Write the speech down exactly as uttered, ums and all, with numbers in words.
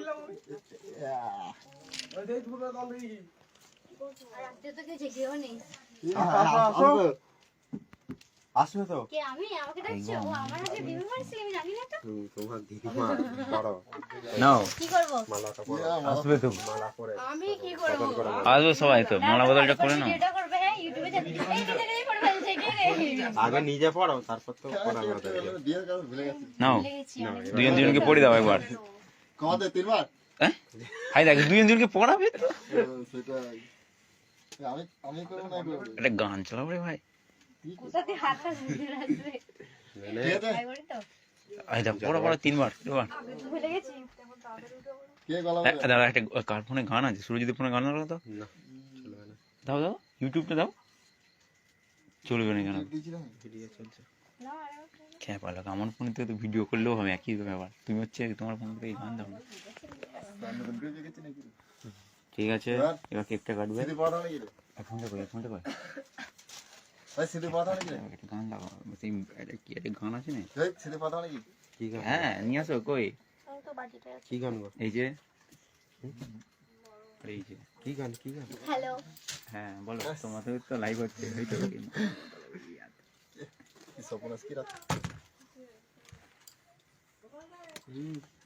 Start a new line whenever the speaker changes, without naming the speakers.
আসবে তো
কে আমি আমাকে ডাকছো ও আমার আগে বিয়ে করছি আমি জানি না তো
তোমার দিদিমা বড়
নাও
কি করব
মালাটা পরো
আসবে তো
মালা পরে
আমি কি করব
আসবে সবাই তো মালা বদলটা করে নাও
ভিডিওটা করবে হ্যাঁ ইউটিউবে যাবে এই দিকে এই পড়ে ফেলছে কে রে
আগে নিজে পড়ো তারপর তো পড়াবে
নাও দুজন দুজনকে পড়ে দাও একবার
কমাতে তিনবার
হ্যাঁ হাই দেখ দুজন দুজনকে পড়াবে তো
সেটা আমি আমি করব না করব
একটা গান চালাও রে ভাই
কোথাতে হাত আসবে ভাই বলি তো
আই দাও পড়া পড়া তিনবার এবার
ভুলে গেছি
কে গলা
দাঁড়া একটা কার ফোনে গান আছে সুরজিতের ফোনে গান লাগাও তো
না চলবে না
দাও দাও ইউটিউবটা দাও চলবে না কেন
দিছিলাম
ভিডিও চলছে
না
খেয়ে পারলো আমার ফোনে তো ভিডিও করলেও হবে একই ব্যাপার তুমি হচ্ছে তোমার ফোন থেকে গান দাও না ঠিক আছে এবার কেকটা কাটবে
সিধি পাঠা নাকি রে
ফোনটা করে ফোনটা করে
ভাই সিধি পাঠা নাকি রে
একটা গান লাগাও সেই একটা কি একটা গান আছে না
এই সিধি পাঠা নাকি
কি গান
হ্যাঁ নিয়ে আসো কই
আমি তো বাটিটা
কি গান গো
এই যে এই যে
কি গান কি গান
হ্যালো
হ্যাঁ বলো তোমাদের তো লাইভ হচ্ছে এই তো
সপনাস কি রাত